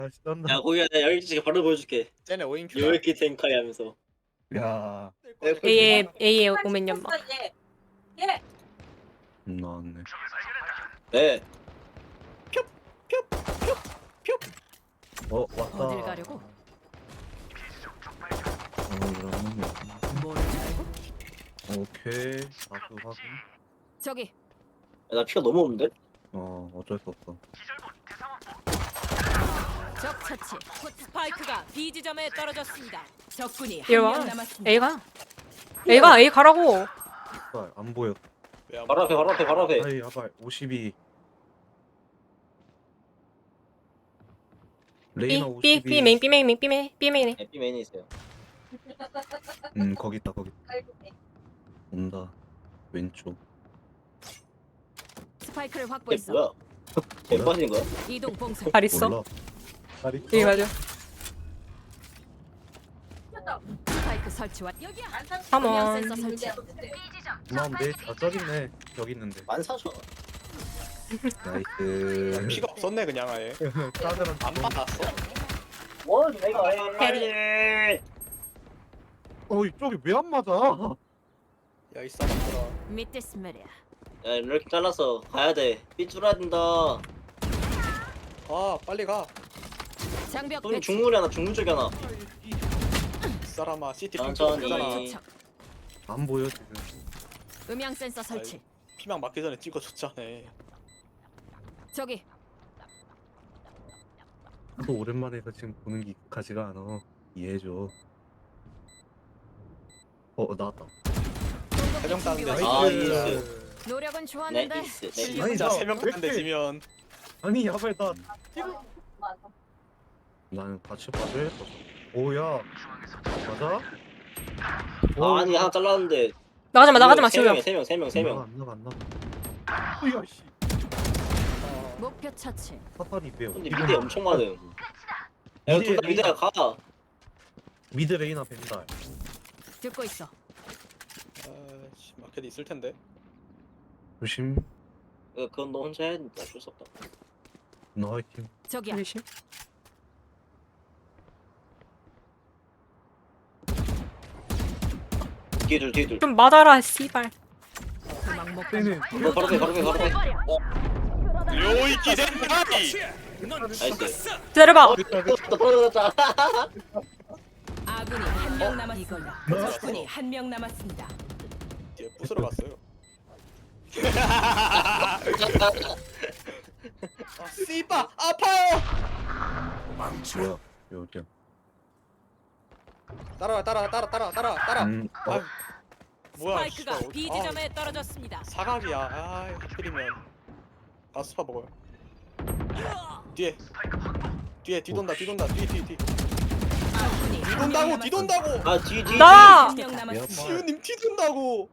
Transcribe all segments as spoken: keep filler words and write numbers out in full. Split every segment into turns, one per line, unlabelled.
다시 쩐다.
야 거기가 내가 열기지가 바로 보여줄게.
쟤네 오인큐.
열기 텐카이 하면서.
야,
A에 A에 오면 연막.
음, 나왔네.
네.
어, 왔다.
어딜 가려고?
어, 이러면
뭘 알고?
오케이. 다수 확인.
저기
야, 나 피가 너무 없는데?
어, 어쩔 수 없어.
적 처치. 스파이크가 B 지점에 떨어졌습니다. 적군이
이리
한
와.
명 남았습니다.
A가. A가 A 가라고.
아발 안 보여.
왜안
바로 앞에 바로 앞에 바로 앞에.
아이, 아발 오십이.
B
레이나
B
오십이.
B 메인 B 메인 B 메인 B 메인에.
네, B 메인에 있어요.
음, 거기 있다, 거기. 온다. 왼쪽.
스파이크를
이게
확보했어.
뭐야? 개 빠진 거야?
이동 봉쇄.
발 있어.
몰라. 잘 있어.
A 맞아.
스파이크 설치와 여기야.
Come
음향
on.
센서 설치.
난 내 좌절이네. 여기 있는데.
만 사천.
나이스.
피가 없었네 그냥 아예.
카드랑
안 받았어.
뭘 내가 해?
어, 이쪽이 왜 안 맞아?
야이 사람들아.
밑에 스멜이야.
야 이렇게 잘라서 가야 돼. 삐뚤어야 된다.
아 빨리 가.
장벽
형님
배치.
중물이 하나 중물 쪽에 하나.
이 사람아 시티
천천히.
핑크잖아.
투척.
안 보여 지금.
음향 센서 설치.
피망 맞기 전에 찍어줬잖아.
저기
또 오랜만에 해서 지금 보는 게 익숙하지가 않아. 이해해줘. 어, 나왔다.
세명 따는데
아,
진짜.
이스.
노력은 좋았는데
네이스, 네이스.
실력은
아니,
진짜
나
세명
왜
따는데
이렇게-
지면
아니, 야발 나. 나는 같이 봐줘야 겠어. 오야. 맞아?
아, 아니 하나 잘랐는데.
나가지 마 나가지 마
세
지우야.
명이야, 세 명, 세 명, 세 명.
안 나가 안 나가. 오야 씨.
어,
목표 처치.
사탄이 빼요.
근데 미드에 엄청 많음. 야
미드에
둘다 미드야 가.
미드 레이나 벤달.
듣고 있어.
아씨 마켓 있을 텐데.
조심.
야, 그건 너 혼자 해야 된다. 어쩔 수 없다.
너 화이팅.
저기야.
조심.
뒤에 둘, 뒤에 둘.
좀 맞아라 씨발.
도망 못
쟤는
간다.
어, 바로 앞에, 바로 앞에, 바로 앞에. 어,
요이키 젠타이.
나이스.
기다려봐.
어, 또 떨어졌다.
아군이 한 명 남았습니다. 적군이 한 명 남았습니다.
뒤에 부스러 갔어요. 아 씨바 아파요.
뭐야? 여기야.
따라와 따라 따라 따라 따라 따라.
음.
아
어,
뭐야?
스파이크가
씨발,
B
아,
지점에 떨어졌습니다.
사각이야. 아 하필이면 가스파 먹어요. 뒤에 뒤에 뒤돈다 뒤돈다 뒤 뒤 뒤.
적군이
뒤돈다고 뒤돈다고.
아, 뒤, 뒤.
나!
한명 남았습니다.
시우님 뒤돈다고.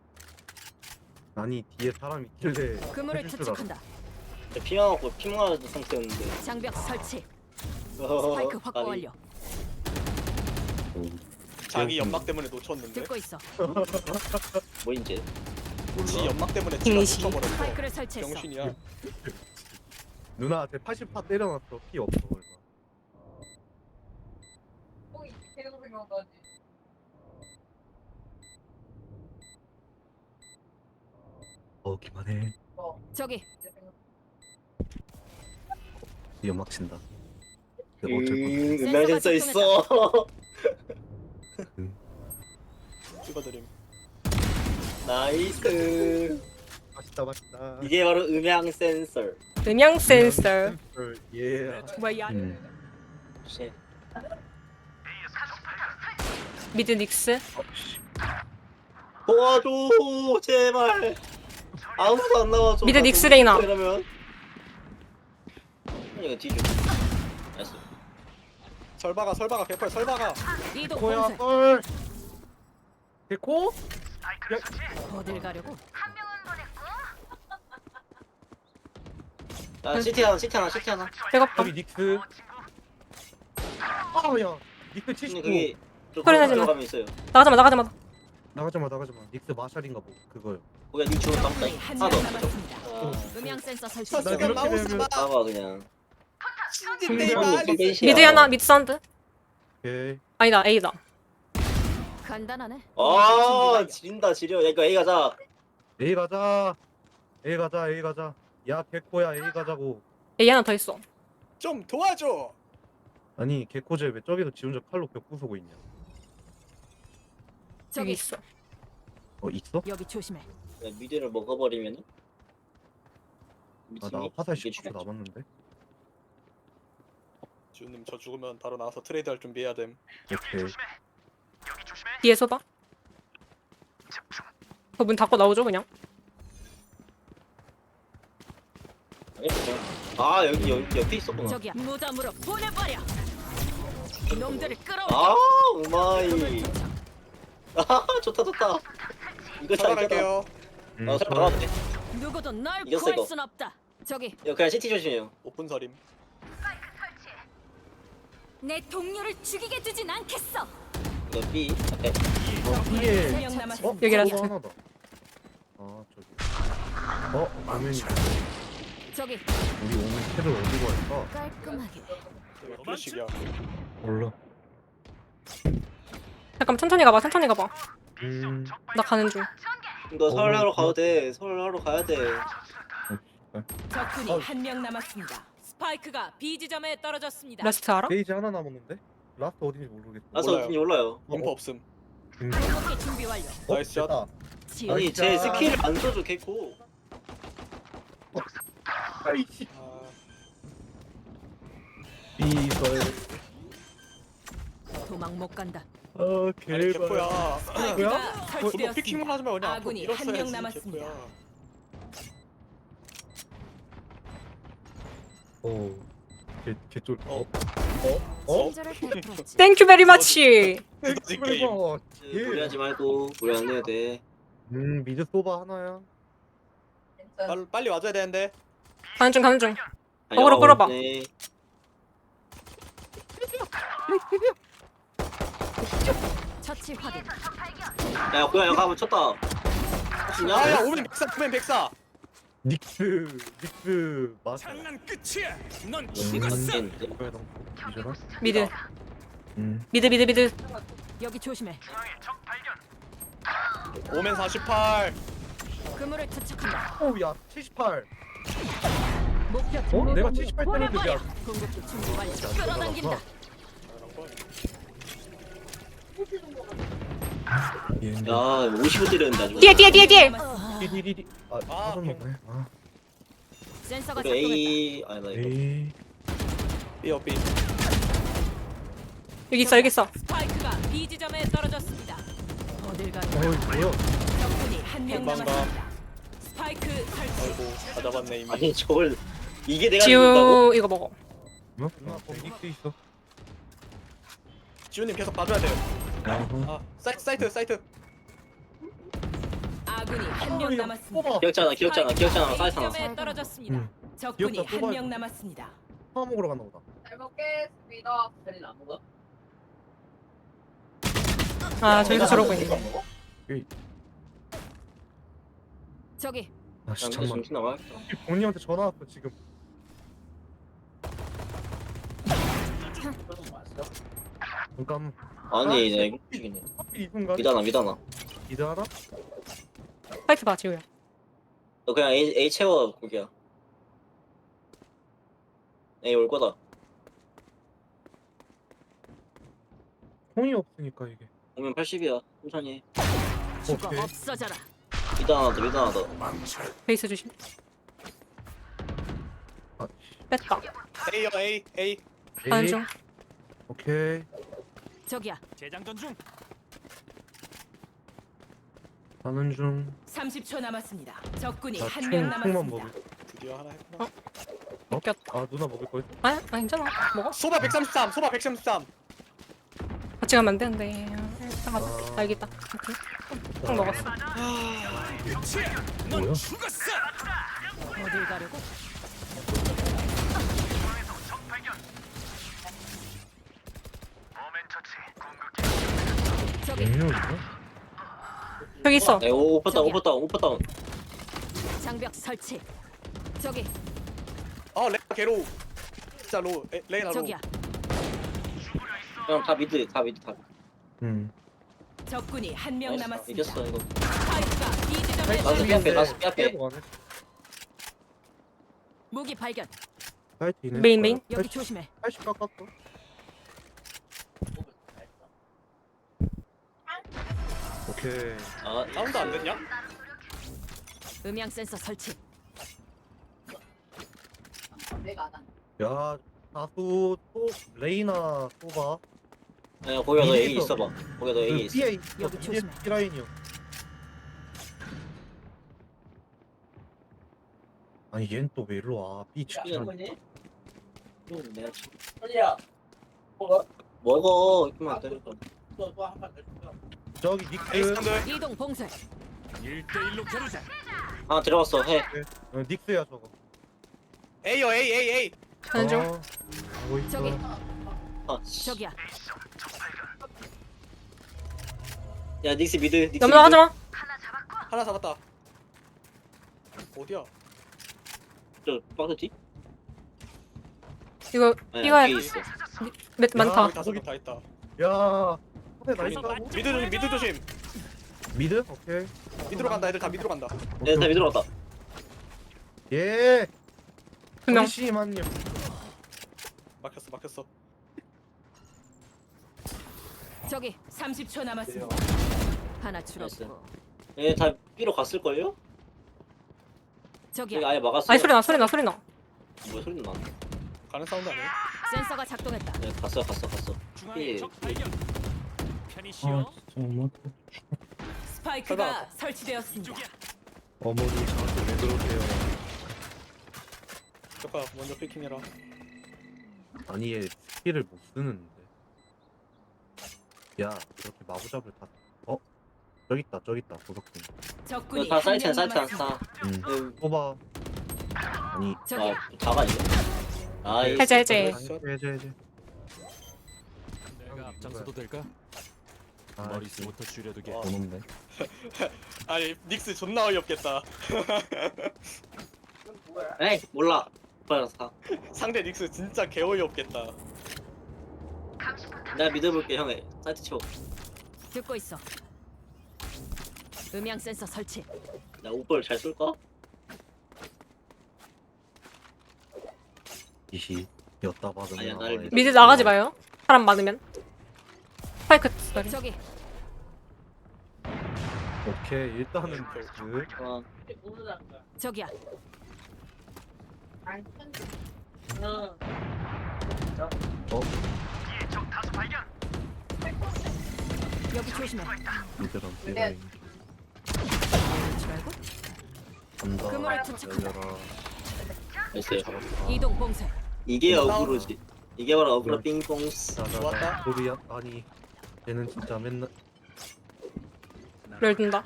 아니 뒤에 사람 있길래.
그물을
해줄 줄 알아.
투척한다.
피망하고 피망하는 상태였는데.
장벽 설치.
어,
스파이크 확보
아니,
완료.
오.
자기 연막 때문에 놓쳤는데.
듣고 있어.
뭐 이제.
지 연막 때문에 지가
병신.
놓쳐버렸어.
스파이크를 설치했어.
병신이야.
누나 제 팔십 파 때려놨어. 피 없어. 그래서. 어 기만해.
저기
연막 친다.
음,
내가 어쩔 건데.
음향 센서 있어.
찍어드림.
나이스.
맛있다 맛있다.
이게 바로 음향 센서.
음향 센서.
예.
뭐야?
음.
씨.
미드 닉스.
어, 씨.
도와줘 제발. 아무도 안 나와줘.
미드 닉스 레이나.
이러면. 이거 뒤져. 나이스.
설바가 설바가 개펄 설바가.
이동
코야
봉쇄.
헐. 데코?
어딜 가려고?
야 시티 하나, 시티 하나, 시티 하나.
배고파.
여기 닉스. 아야. 닉스
근데
칠십구.
그게 저
소리 나지 마.
들어가면 있어요.
나가지 마 나가지 마.
나가지마 나가지마. 닉스 마샬인가 뭐 그거요.
거기가 니 주로 땀다.
적군이 한
하나
명
더.
남았습니다.
아,
음향 센서 설치.
저
나
지금
이렇게
마우스
되면-
봐.
봐봐 그냥.
내
음,
말이
미드 하나 미드 사운드.
오케이.
아니다 A다.
간단하네.
아 지린다 지려. 야 이거 A 가자.
A 가자. A 가자. A 가자. 야 개코야 A 가자고.
A 하나 더 있어.
좀 도와줘.
아니 개코제 왜 저기서 지 혼자 칼로 벽 부수고 있냐?
여기
저기
있어.
어 있어?
여기 조심해.
야, 미드를 먹어버리면은.
아 나
미친이?
화살
이게
십 초
죽겠지.
남았는데.
지훈님 저 죽으면 바로 나와서 트레이드 할 준비해야 됨.
오케이.
뒤에서 봐. 그 문 닫고 나오죠 그냥.
아니, 그냥. 아 여기 여기 옆에 있었구나.
저기야. 무덤으로 보내버려. 놈들을 끌어올려.
아 우마이. 아 좋다 좋다. 이거 잘 이겨라.
찾아갈게요.
음,
아
저-
잘 나왔네.
누구도 널
이겼어,
구할
이거.
순 없다. 저기
야 그냥 시티 조심해요.
오픈 서림.
내 동료를 죽이게 두진 않겠어.
이거 B 앞에.
어, B에
명 남았습니다.
여기 라스트.
서버 하나다. 아 저기. 어 오면
저기
우리 오면 캐를 어디고 할까?
깔끔하게.
플래식이야.
몰라.
잠깐 천천히 가봐. 천천히 가봐.
음.
나 가는 중.
너 서울
어,
하러
어.
가도 돼. 서울 하러 가야 돼.
적군이
어.
한 명 남았습니다. 스파이크가 B 지점에 떨어졌습니다.
라스트 알아?
페이지 하나 남았는데? 라스트 어딘지 모르겠어.
나서
몰라요.
어딘지 몰라요.
인포 없음.
음.
공격기 준비 완료.
어,
나이스 샷.
됐다.
지원.
아니 제 스킬을 안 써줘 개코.
아이씨.
아,
이설.
도망 못 간다.
아
아니
개발.
개코야.
스파이크가
저도 피킹만
설치되었습니다.
하지 말고 그냥 앞으로
아군이 한 명
밀었어야지,
남았습니다.
개코야.
어. 개 개쫄.
어.
어? 어?
친절을 베풀었지.
땡큐 베리 마치.
두더지 게임.
어. 예.
무리하지 말고 무리 안 해도 돼.
음 미드 소바 하나야.
빨리, 빨리 와줘야 되는데.
가는 중 가는 중.
아니,
어그로
어,
끌어봐.
네.
처치 확인.
야 고양 형 가면 쳤다. 진짜?
아야 오면 백사 오면 백사.
닉스 닉스 맞아.
끝이야. 넌
음.
뭐야 너 이잖아.
미드.
음.
미드 미드 미드.
여기 조심해.
오면 사십팔.
그물을 투척한다.
오야 칠십팔.
목표
어? 내가 칠십팔 때렸는데
보내버려.
야.
공격기 준비 완료. 끌어당긴다.
야 오십오 때렸는데 아주.
뒤에 뒤에 뒤에 뒤에.
디디디디. 아
아,
사선 먹네. 아.
센서가
우리
작동했다.
A 아니 나 이거.
에이.
삐어 삐.
여기 있어 여기 있어.
스파이크가 B 지점에 떨어졌습니다. 어딜 가니?
어이 뭐야?
적군이 한 명
금방 가.
남았습니다. 스파이크 설치.
아이고 다 잡았네 이미.
아니 저걸 이게 내가 이긴다고?
지우 이거 먹어.
뭐? 누나 거기 닉스 있어.
지훈님 계속 봐줘야 돼요.
아하.
아 사이트 사이트 사이트.
아군이 한 명 남았습니다.
뽑아.
기억잖아 기억잖아 기억잖아 사이트 하나.
점에 떨어졌습니다.
응.
적군이
기억자
한
뽑아야
명
돼.
남았습니다.
파 먹으러 갔나 보다.
잘 먹겠습니다. 별일 안 먹어?
아 저기서 저러고 있네.
저기
아 씨,
난
잠만.
정신 나와.
본인한테 전화 왔어 지금. 잠깐.
아니 나 이거 죽이네.
하필 이 순간.
미다나 미다나.
미드 하나?
파이트 봐 지우야.
너 그냥 A A 채워 거기야. A 올 거다.
통이 없으니까 이게.
오면 팔십이야. 천천히. 해.
죽어
오케이.
없어져라.
미다나 더 미다나 더.
베이스 조심.
아,
뺐다.
A요 A A.
가는
에이.
중.
오케이.
저기야.
재장전 중.
가는 중.
삼십 초 남았습니다. 적군이
나
한
총,
명
총만
남았습니다.
먹을.
드디어 하나 했구나.
웃겼다.
아 누나 먹을 거였어?
아, 아 괜찮아. 먹어.
소바 백삼십삼. 소바 백삼십삼.
같이 가면 안 되는데. 일단 가자.
아.
아, 여기 있다. 오케이. 딱 먹었어.
뭐야?
어딜 가려고? 저기
분명이야?
여기 있어.
에 오퍼 다운 오퍼 다운 오퍼 다운.
장벽 설치. 저기
아 렉 개로. 진짜 로 에, 레이나 로.
저기야.
그럼 다 미드 다 미드 다 미드.
음.
적군이 한 명
나이스,
남았습니다.
이겼어 이거.
스파이크가 B 지점에
나도
떨어졌습니다.
삐 앞에 나도 삐 앞에.
빼고 가네.
무기 발견.
사이트이네.
메인, 메인.
여기 조심해.
팔십 깎았어. 오케이.
아
사운드 안 됐냐?
음향 센서 설치.
내가 안 한.
야, 다수 또 레이나 쏘봐.
야 거기가 너 A
미드에서.
있어봐. 거기가 너 A 있어.
B에
여기 조심해.
B 라인이요. 아니 얘는 또 왜 일로 와? B
야,
치킨.
이건 내가 치-
소리야. 뭐가?
먹어 이렇게만 안 때려.
또또한번 더.
저기
에이스
닉스.
한들.
이동 봉쇄.
아 들어갔어 해.
어, 닉스야 저거.
A요 A A A.
가는 중.
어, 하고 있어.
저기.
아 씨.
저기야.
야 닉스 미드 닉스 미드.
넘어가지 마.
하나 잡았다. 어디야?
저 빠졌지?
이거
아니,
이거야.
뒤에 있어.
몇 많다.
여기 다섯 개 다 있다.
야, 앞에 나 있다고?
미드 조심 미드 조심.
미드? 오케이.
미드로 간다. 애들 다 미드로 간다.
네, 다 미드로 갔다.
예.
두 명.
잠시만요.
막혔어 막혔어.
저기 삼십 초 남았습니다. 하나 줄었고.
얘다 B로 갔을 걸요? 여기
저기야.
아예 막았어.
아니 소리 나 소리 나 소리 나.
뭐 소리 나?
가는 사운드 아니야?
센서가 작동했다.
네, 갔어 갔어 갔어. 예.
아, 정말.
스파이크가
설마.
설치되었습니다.
어머니 저한테 왜 그러세요?
조카 먼저 피킹해라.
아니 얘 스킬을 못 쓰는데. 야, 이렇게 마구잡을 다. 어? 저기 있다, 저기 있다, 도덕분.
적군이
다
한
사이트
명
사이트
남았습니다.
다.
응.
음.
뽑아. 아니.
저기야.
아 다가 이거. 아이.
해제 해제.
해제 해제.
내가 앞장서도 될까?
아,
머릿속부터 줄여두게.
와.
번호인데.
아니 닉스 존나 어이없겠다.
에이 몰라. 빨리 사.
상대 닉스 진짜 개 어이없겠다.
내가 믿어볼게 형이. 사이트 치워.
듣고 있어. 음향 센서 설치.
나 오빠를 잘 쏠까?
이시. 였다 받으면.
아니야, 나를
나와야 돼.
미드 나가지 마요. 사람 많으면. 스파이크 소리.
저기
오케이, 일단은 그.
어.
저기야.
어?
여기 조심해.
미드랑
네.
B라인.
줄 알고?
간다.
그물을 투척한다.
열려라.
됐어요.
이동 봉쇄.
이게
싸워.
어그로지. 이게 바로 어그로
네.
빙봉스.
자자자.
좋았다.
소리야. 아니. 얘는 진짜 맨날.
열든다.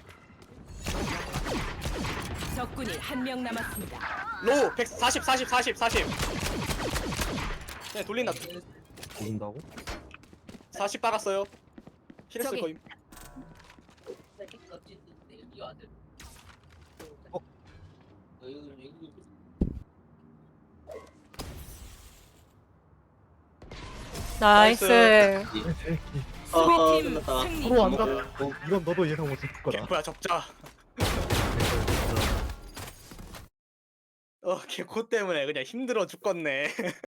적군이 한 명 남았습니다.
로우 백사십 사십 사십 사십. 네 돌린다.
모른다고?
사십 박았어요. 힐했을
저기.
거임.
어?
나이스.
아
수비팀
끝났다.
승리.
서로 안 잡. 어, 이건 너도 예상 못했을 거다.
개코야 접자. 어 개코 때문에 그냥 힘들어 죽겠네.